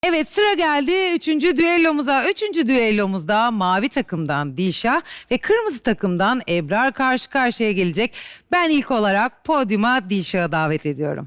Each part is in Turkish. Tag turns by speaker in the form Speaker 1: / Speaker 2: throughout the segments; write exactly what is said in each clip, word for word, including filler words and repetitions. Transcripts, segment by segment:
Speaker 1: Evet, sıra geldi üçüncü düellomuza. Üçüncü düellomuzda mavi takımdan Dilşah ve kırmızı takımdan Ebrar karşı karşıya gelecek. Ben ilk olarak podyuma Dilşah'ı davet ediyorum.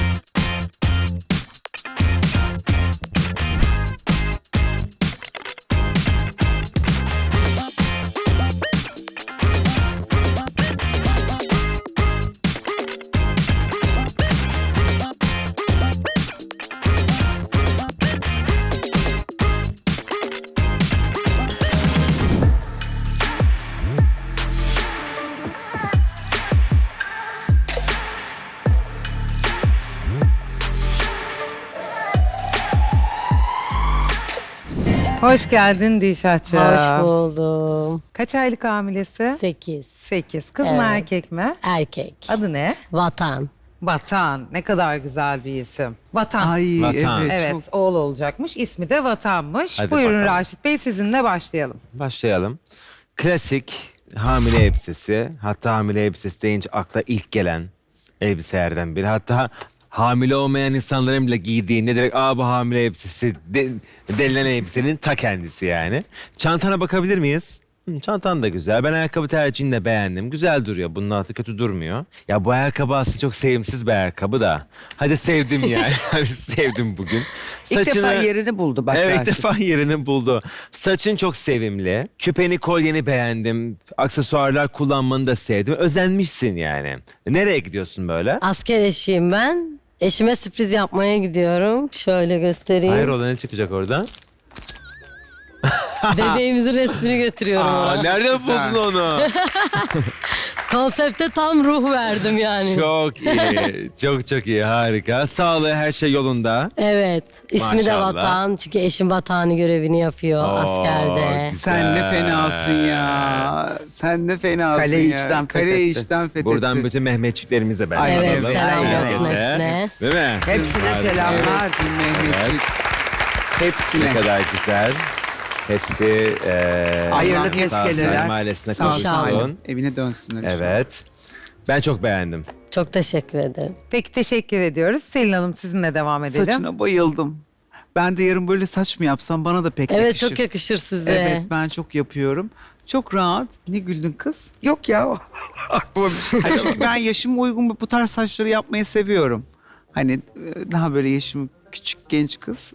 Speaker 1: Hoş geldin Dilşah'cığım.
Speaker 2: Hoş buldum.
Speaker 1: Kaç aylık hamilesi?
Speaker 2: Sekiz.
Speaker 1: Sekiz. Kız mı
Speaker 2: Evet.
Speaker 1: erkek mi?
Speaker 2: Erkek.
Speaker 1: Adı ne?
Speaker 2: Vatan.
Speaker 1: Vatan. Ne kadar güzel bir isim. Vatan.
Speaker 3: Ay
Speaker 4: Vatan.
Speaker 3: evet.
Speaker 1: Evet,
Speaker 3: çok-
Speaker 1: oğul olacakmış. İsmi de Vatan'mış.
Speaker 4: Hadi
Speaker 1: Buyurun
Speaker 4: bakalım.
Speaker 1: Raşit Bey, sizinle başlayalım.
Speaker 4: Başlayalım. Klasik hamile elbisesi. Hatta hamile elbisesi deyince akla ilk gelen elbiselerden biri. Hatta hamile olmayan insanların bile giydiğinde direkt aa bu hamile elbisesi de, denilen elbisenin ta kendisi yani. Çantana bakabilir miyiz? Hı, çantan da güzel. Ben ayakkabı tercihini de beğendim. Güzel duruyor. Bunun altı kötü durmuyor. Ya bu ayakkabı aslında çok sevimsiz bir ayakkabı da. Hadi sevdim yani. Hadi sevdim bugün.
Speaker 3: İlk defa yerini buldu bak.
Speaker 4: Evet, ilk
Speaker 3: Raşit.
Speaker 4: defa yerini buldu. Saçın çok sevimli. Küpeni, kolyeni beğendim. Aksesuarlar kullanmanı da sevdim. Özenmişsin yani. Nereye gidiyorsun böyle?
Speaker 2: Asker eşiyim ben. Eşime sürpriz yapmaya gidiyorum. Şöyle göstereyim.
Speaker 4: Hayrola, ne çıkacak oradan?
Speaker 2: Bebeğimizin resmini götürüyorum
Speaker 4: Aa,
Speaker 2: ona.
Speaker 4: nereden buldun onu?
Speaker 2: Konsepte tam ruh verdim yani.
Speaker 4: Çok iyi. Çok çok iyi. Harika. Sağlığı, her şey yolunda.
Speaker 2: Evet. İsmi de
Speaker 4: Maşallah.
Speaker 2: Vatan. Çünkü eşim vatani görevini yapıyor
Speaker 4: Oo,
Speaker 2: askerde.
Speaker 4: güzel.
Speaker 3: Sen ne fenasın ya. Sen ne fenasın
Speaker 5: Kaleyi
Speaker 3: ya.
Speaker 5: içten
Speaker 3: Kaleyi
Speaker 5: fethetti.
Speaker 3: içten fethetti.
Speaker 4: Buradan bütün Mehmetçiklerimize ben
Speaker 3: Aynen
Speaker 2: Evet,
Speaker 3: öyle.
Speaker 2: selam
Speaker 3: Aynen
Speaker 2: olsun
Speaker 3: öyle.
Speaker 2: hepsine.
Speaker 4: Değil mi?
Speaker 5: Hepsine
Speaker 4: Harika.
Speaker 5: selamlar.
Speaker 3: Mehmetçik. Hepsine.
Speaker 4: Ne kadar güzel. Hepsi eee
Speaker 5: Hayırlı
Speaker 3: Allah
Speaker 5: tezkereler.
Speaker 4: Salim ailesine
Speaker 3: Sağ olsun.
Speaker 4: kavuşsun.
Speaker 3: Evine dönsünler. inşallah.
Speaker 4: Evet. Ben çok beğendim.
Speaker 2: Çok teşekkür ederim.
Speaker 1: Peki, teşekkür ediyoruz. Selin Hanım, sizinle devam edelim.
Speaker 3: Saçına bayıldım. Ben de yarın böyle saç mı yapsam bana da pek
Speaker 2: Evet,
Speaker 3: yakışır.
Speaker 2: çok yakışır size.
Speaker 3: Evet, ben çok yapıyorum. Çok rahat. Ne güldün kız?
Speaker 5: Yok ya. Aklıma bir şey
Speaker 3: Hani çünkü ben yaşıma uygun bu tarz saçları yapmayı seviyorum. Hani e, daha böyle yaşım küçük genç kız.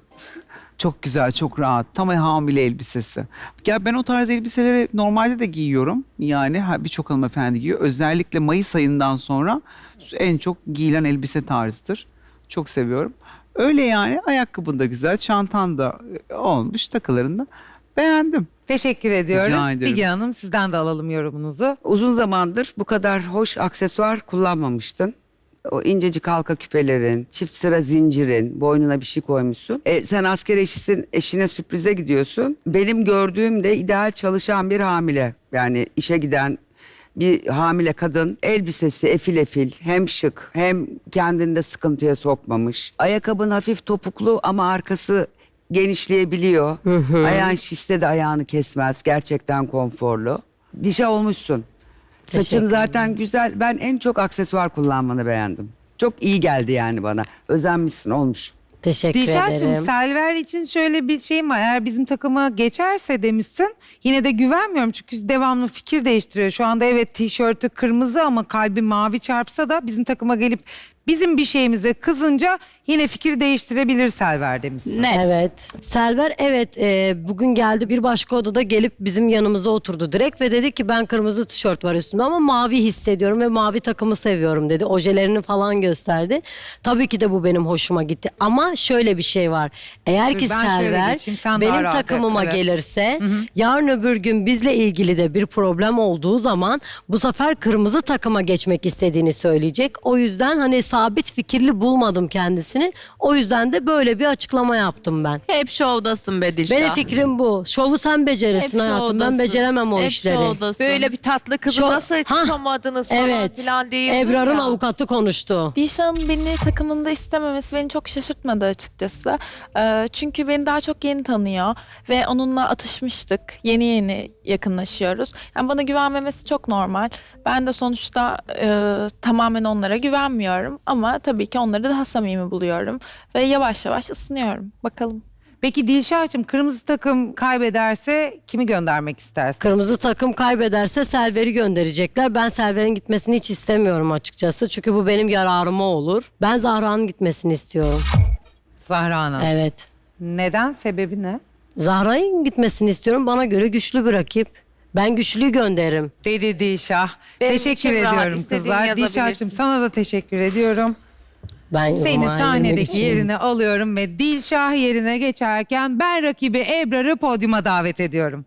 Speaker 3: Çok güzel, çok rahat. Tam hamile elbisesi. Ya ben o tarz elbiseleri normalde de giyiyorum. Yani ha, birçok hanımefendi giyiyor. Özellikle Mayıs ayından sonra en çok giyilen elbise tarzıdır. Çok seviyorum. Öyle yani, ayakkabın da güzel, çantan da e, olmuş, takılarını da beğendim.
Speaker 1: Teşekkür ediyoruz.
Speaker 3: Rica ederim.
Speaker 1: Bilge Hanım, sizden de alalım yorumunuzu.
Speaker 5: Uzun zamandır bu kadar hoş aksesuar kullanmamıştın. O incecik halka küpelerin, çift sıra zincirin, boynuna bir şey koymuşsun. E, sen asker eşisin, eşine sürprize gidiyorsun. Benim gördüğüm de ideal çalışan bir hamile. Yani işe giden bir hamile kadın, elbisesi efil efil, hem şık hem kendini de sıkıntıya sokmamış. Ayakkabın hafif topuklu ama arkası genişleyebiliyor. Ayağın şişse de ayağını kesmez. Gerçekten konforlu. Dişe olmuşsun. Saçın
Speaker 2: Teşekkür
Speaker 5: zaten güzel. Ben en çok aksesuar kullanmanı beğendim. Çok iyi geldi yani bana. Özenmişsin, olmuş.
Speaker 2: Teşekkür
Speaker 1: Dilşah'cığım,
Speaker 2: ederim.
Speaker 1: Selver için şöyle bir şeyim var. Eğer bizim takıma geçerse demişsin. Yine de güvenmiyorum çünkü devamlı fikir değiştiriyor. Şu anda evet tişörtü kırmızı ama kalbi mavi çarpsa da bizim takıma gelip bizim bir şeyimize kızınca yine fikir değiştirebilir Selver demişsin.
Speaker 2: Evet. Selver evet e, bugün geldi bir başka odada gelip bizim yanımıza oturdu direkt ve dedi ki ben kırmızı tişört var üstümde ama mavi hissediyorum ve mavi takımı seviyorum dedi. Ojelerini falan gösterdi. Tabii ki de bu benim hoşuma gitti ama şöyle bir şey var. Eğer
Speaker 1: Dur,
Speaker 2: ki
Speaker 1: ben şöyle
Speaker 2: Selver
Speaker 1: geçeyim, sen daha
Speaker 2: benim
Speaker 1: rahat et,
Speaker 2: takımıma
Speaker 1: evet.
Speaker 2: gelirse yarın öbür gün bizle ilgili de bir problem olduğu zaman bu sefer kırmızı takıma geçmek istediğini söyleyecek. O yüzden hani sabit fikirli bulmadım kendisini. O yüzden de böyle bir açıkllama yaptım ben.
Speaker 6: Hep şovdasın be Dilşah.
Speaker 2: Benim fikrim bu. Şovu sen becerirsin
Speaker 6: Hep
Speaker 2: hayatım.
Speaker 6: şovdasın.
Speaker 2: Ben beceremem o
Speaker 6: Hep
Speaker 2: işleri.
Speaker 6: şovdasın.
Speaker 7: Böyle bir tatlı kızı
Speaker 2: Şu-
Speaker 7: nasıl
Speaker 2: Hah,
Speaker 7: tutamadınız falan
Speaker 2: Evet.
Speaker 7: filan değil.
Speaker 2: Ebrar'ın avukatı konuştu.
Speaker 6: Dilşah'ın beni takımında istememesi beni çok şaşırtmadı açıkçası. Ee, çünkü beni daha çok yeni tanıyor ve onunla atışmıştık. Yeni yeni yakınlaşıyoruz. Yani bana güvenmemesi çok normal. Ben de sonuçta e, tamamen onlara güvenmiyorum ama tabii ki onları daha samimi buluyorum ve yavaş yavaş ısınıyorum. Bakalım.
Speaker 1: Peki Dilşah'cığım kırmızı takım kaybederse kimi göndermek istersin?
Speaker 2: Kırmızı takım kaybederse Selver'i gönderecekler. Ben Selver'in gitmesini hiç istemiyorum açıkçası. Çünkü bu benim yararıma olur. Ben Zahra'nın gitmesini istiyorum.
Speaker 1: Zahra Hanım.
Speaker 2: Evet.
Speaker 1: Neden? Sebebi ne?
Speaker 2: Zahra'nın gitmesini istiyorum. Bana göre güçlü bir rakip. Ben güçlüyü gönderirim.
Speaker 1: Dedi Dilşah.
Speaker 7: Benim
Speaker 1: teşekkür
Speaker 7: için rahat,
Speaker 1: ediyorum
Speaker 7: istediğini
Speaker 1: kızlar.
Speaker 7: yazabilirsin.
Speaker 1: Dilşah'cığım sana da teşekkür ediyorum.
Speaker 2: Ben
Speaker 1: Seni
Speaker 2: o
Speaker 1: sahnedeki
Speaker 2: için-
Speaker 1: yerine alıyorum ve Dilşah yerine geçerken ben rakibi Ebrar'ı podyuma davet ediyorum.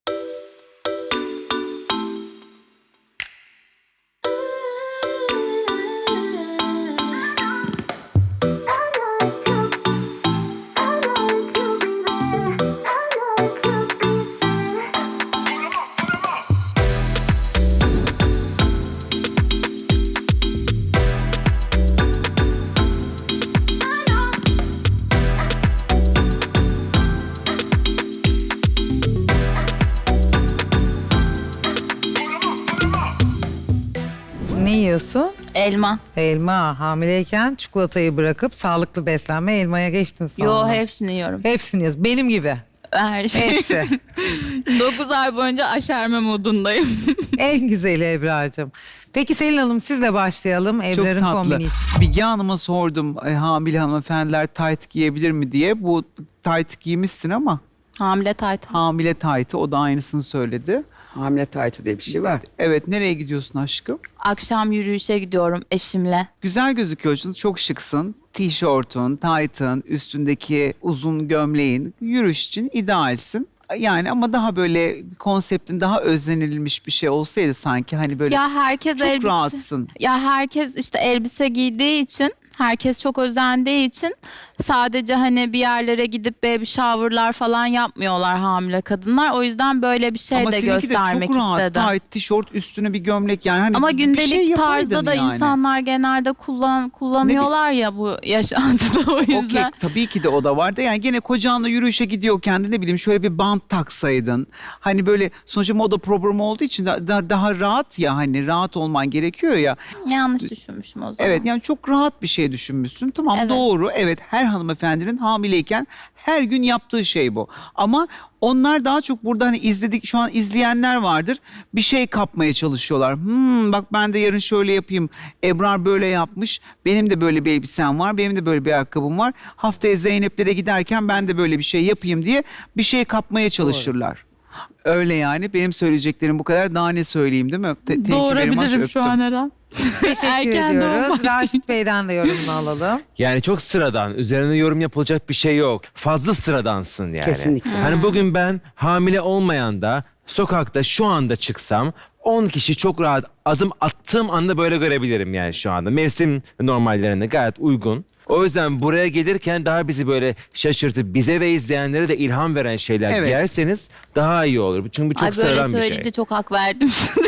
Speaker 1: Ne yiyorsun?
Speaker 7: Elma.
Speaker 1: Elma. Hamileyken çikolatayı bırakıp sağlıklı beslenme elmaya geçtin sonra.
Speaker 7: Yo hepsini yiyorum.
Speaker 1: Hepsini yiyorsun. Benim gibi.
Speaker 7: Her şey.
Speaker 1: Hepsi.
Speaker 7: dokuz ay boyunca aşerme modundayım.
Speaker 1: En güzeli Ebrar'cığım. Peki Selin Hanım sizle başlayalım.
Speaker 3: Çok
Speaker 1: Ebrar'ın
Speaker 3: tatlı.
Speaker 1: kombini için.
Speaker 3: Bilge Hanım'a sordum e, hamile hanımefendiler tayt giyebilir mi diye. Bu tayt giymişsin ama
Speaker 7: Hamile tayt.
Speaker 3: hamile taytı o da aynısını söyledi.
Speaker 5: Hamile taytı diye bir şey var.
Speaker 3: Evet, nereye gidiyorsun aşkım?
Speaker 7: Akşam yürüyüşe gidiyorum eşimle.
Speaker 3: Güzel gözüküyorsun, çok şıksın. Tişörtün, taytın, üstündeki uzun gömleğin yürüyüş için idealsin. Yani ama daha böyle konseptin daha özlenilmiş bir şey olsaydı sanki hani böyle
Speaker 7: Ya herkes
Speaker 3: çok
Speaker 7: elbise.
Speaker 3: rahatsın.
Speaker 7: Ya herkes işte elbise giydiği için, herkes çok özendiği için sadece hani bir yerlere gidip baby shower'lar falan yapmıyorlar hamile kadınlar. O yüzden böyle bir şey
Speaker 3: Ama
Speaker 7: de
Speaker 3: seninki de
Speaker 7: göstermek
Speaker 3: çok rahat,
Speaker 7: istedim.
Speaker 3: tayt, tişört, üstüne bir gömlek yani hani
Speaker 7: Ama
Speaker 3: bir
Speaker 7: gündelik
Speaker 3: şey yapaydın
Speaker 7: tarzda da
Speaker 3: yani.
Speaker 7: insanlar genelde kullan kullanıyorlar ya bu yaşantıda o yüzden.
Speaker 3: Okey, tabii ki de o da vardı. Yani gene kocanla yürüyüşe gidiyorken de ne bileyim şöyle bir bant taksaydın. Hani böyle sonuçta moda programı olduğu için da, da- daha rahat ya hani rahat olman gerekiyor ya.
Speaker 7: Yanlış düşünmüşüm o zaman.
Speaker 3: Evet yani çok rahat bir şey düşünmüşsün. Tamam
Speaker 7: Evet.
Speaker 3: doğru. Evet her hanımefendinin hamileyken her gün yaptığı şey bu. Ama onlar daha çok burada hani izledik şu an izleyenler vardır. Bir şey kapmaya çalışıyorlar. Hmm, bak ben de yarın şöyle yapayım. Ebrar böyle yapmış. Benim de böyle bir elbisem var. Benim de böyle bir ayakkabım var. Haftaya Zeynep'lere giderken ben de böyle bir şey yapayım diye bir şey kapmaya çalışırlar. Öyle yani benim söyleyeceklerim bu kadar. Daha ne söyleyeyim değil mi? Te- thank you very much,
Speaker 7: Doğurabilirim şu
Speaker 3: öptüm.
Speaker 7: an her an.
Speaker 1: Teşekkür
Speaker 7: Erken doğum
Speaker 1: ediyoruz.
Speaker 7: başlayın.
Speaker 1: Raşit Bey'den de yorumunu alalım.
Speaker 4: Yani çok sıradan. Üzerine yorum yapılacak bir şey yok. Fazla sıradansın yani.
Speaker 5: Kesinlikle.
Speaker 4: Hani bugün ben hamile olmayan da sokakta şu anda çıksam on kişi çok rahat adım attığım anda böyle görebilirim yani şu anda. Mevsim normallerine gayet uygun. O yüzden buraya gelirken daha bizi böyle şaşırtıp bize ve izleyenlere de ilham veren şeyler
Speaker 3: Evet.
Speaker 4: giyerseniz daha iyi olur. Çünkü bu çok
Speaker 7: Ay böyle
Speaker 4: sıradan bir
Speaker 7: söyleyince
Speaker 4: şey.
Speaker 7: çok hak verdim size.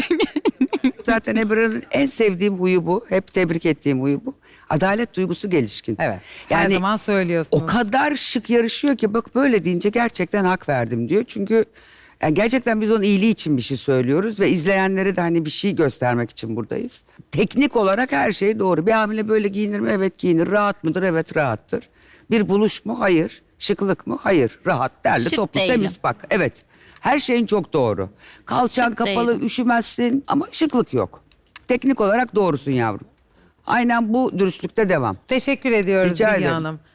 Speaker 5: Zaten Ebrar'ın en sevdiğim huyu bu. Hep tebrik ettiğim huyu bu. Adalet duygusu gelişkin.
Speaker 1: Evet. Her
Speaker 5: Yani
Speaker 1: zaman söylüyorsunuz.
Speaker 5: o kadar şık yarışıyor ki bak böyle deyince gerçekten hak verdim diyor. Çünkü yani gerçekten biz onun iyiliği için bir şey söylüyoruz ve izleyenlere de hani bir şey göstermek için buradayız. Teknik olarak her şey doğru. Bir hamile böyle giyinir mi? Evet giyinir. Rahat mıdır? Evet rahattır. Bir buluş mu? Hayır. Şıklık mı? Hayır. Rahat, derli,
Speaker 7: Şık
Speaker 5: toplu,
Speaker 7: değilim.
Speaker 5: temiz bak. Evet. Her şeyin çok doğru. Kalçan
Speaker 7: Şık
Speaker 5: kapalı,
Speaker 7: değilim.
Speaker 5: üşümezsin ama şıklık yok. Teknik olarak doğrusun yavrum. Aynen bu dürüstlükte devam.
Speaker 1: Teşekkür ediyoruz
Speaker 5: Rica
Speaker 1: Bilge
Speaker 5: ederim.
Speaker 1: Hanım.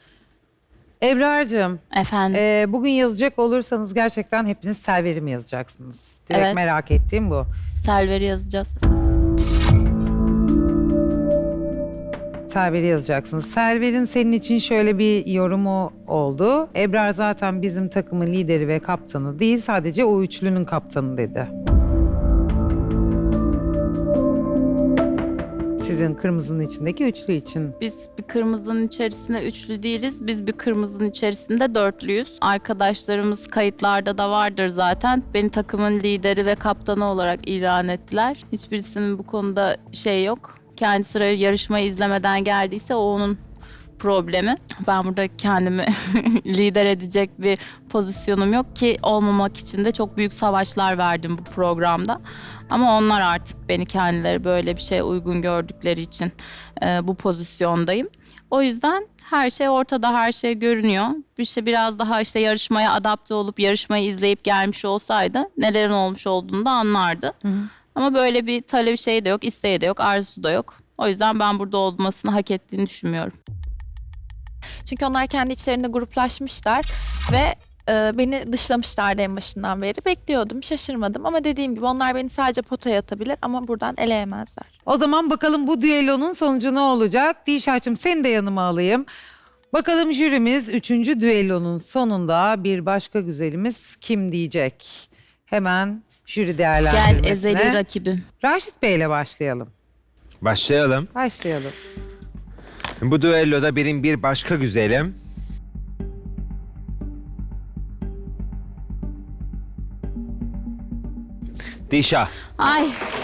Speaker 1: Ebrar'cığım
Speaker 7: Efendim.
Speaker 1: e, bugün yazacak olursanız gerçekten hepiniz Selver'i mi yazacaksınız? Direkt
Speaker 7: Evet.
Speaker 1: merak ettiğim bu.
Speaker 7: Selver'i yazacağız.
Speaker 1: Selver'i yazacaksınız. Selver'in senin için şöyle bir yorumu oldu. Ebrar zaten bizim takımın lideri ve kaptanı değil, sadece o üçlünün kaptanı dedi. Sizin kırmızının içindeki üçlü için.
Speaker 7: Biz bir kırmızının içerisinde üçlü değiliz. Biz bir kırmızının içerisinde dörtlüyüz. Arkadaşlarımız kayıtlarda da vardır zaten. Beni takımın lideri ve kaptanı olarak ilan ettiler. Hiçbirisinin bu konuda şey yok. Kendi sıra yarışmayı izlemeden geldiyse o onun problemi. Ben burada kendimi lider edecek bir pozisyonum yok ki olmamak için de çok büyük savaşlar verdim bu programda. Ama onlar artık beni kendileri böyle bir şeye uygun gördükleri için e, bu pozisyondayım. O yüzden her şey ortada, her şey görünüyor. Bir şey biraz daha işte yarışmaya adapte olup yarışmayı izleyip gelmiş olsaydı nelerin olmuş olduğunu da anlardı. Ama böyle bir talep şey de yok, isteği de yok, arzusu da yok. O yüzden ben burada olmasını hak ettiğini düşünmüyorum.
Speaker 6: Çünkü onlar kendi içlerinde gruplaşmışlar ve e, beni dışlamışlardı en başından beri. Bekliyordum, şaşırmadım ama dediğim gibi onlar beni sadece potaya atabilir ama buradan eleyemezler.
Speaker 1: O zaman bakalım bu düellonun sonucu ne olacak? Dişaç'ım seni de yanıma alayım. Bakalım jürimiz üçüncü düellonun sonunda bir başka güzelimiz kim diyecek? Hemen jüri değerlendirmesine.
Speaker 7: Gel ezeli rakibim.
Speaker 1: Raşit Bey'le başlayalım.
Speaker 4: Başlayalım.
Speaker 1: Başlayalım.
Speaker 4: Bu düelloda benim bir başka güzelim. Dişah.
Speaker 7: Ay.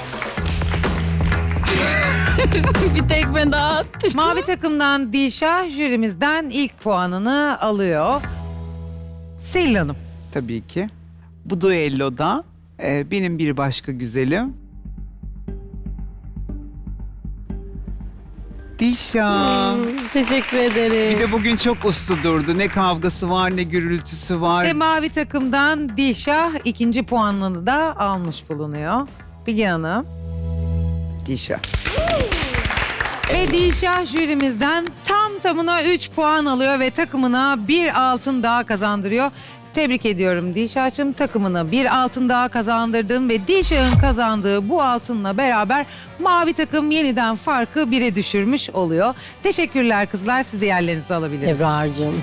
Speaker 7: Bir tekme daha attı.
Speaker 1: Mavi takımdan Dişah jürimizden ilk puanını alıyor. Selin Hanım.
Speaker 3: Tabii ki. Bu duelloda e, benim bir başka güzelim. Dişa.
Speaker 2: Teşekkür ederim.
Speaker 3: Bir de bugün çok uslu durdu. Ne kavgası var ne gürültüsü var.
Speaker 1: Ve mavi takımdan Dişah ikinci puanını da almış bulunuyor. Bilge Hanım.
Speaker 5: Dişa.
Speaker 1: Ve Dişah jürimizden tam tamına üç puan alıyor ve takımına bir altın daha kazandırıyor. Tebrik ediyorum Dişah'cığım. Takımına bir altın daha kazandırdın ve Dişah'ın kazandığı bu altınla beraber mavi takım yeniden farkı bire düşürmüş oluyor. Teşekkürler kızlar. Sizi yerlerinize alabiliriz.
Speaker 2: Ebrar'cığım.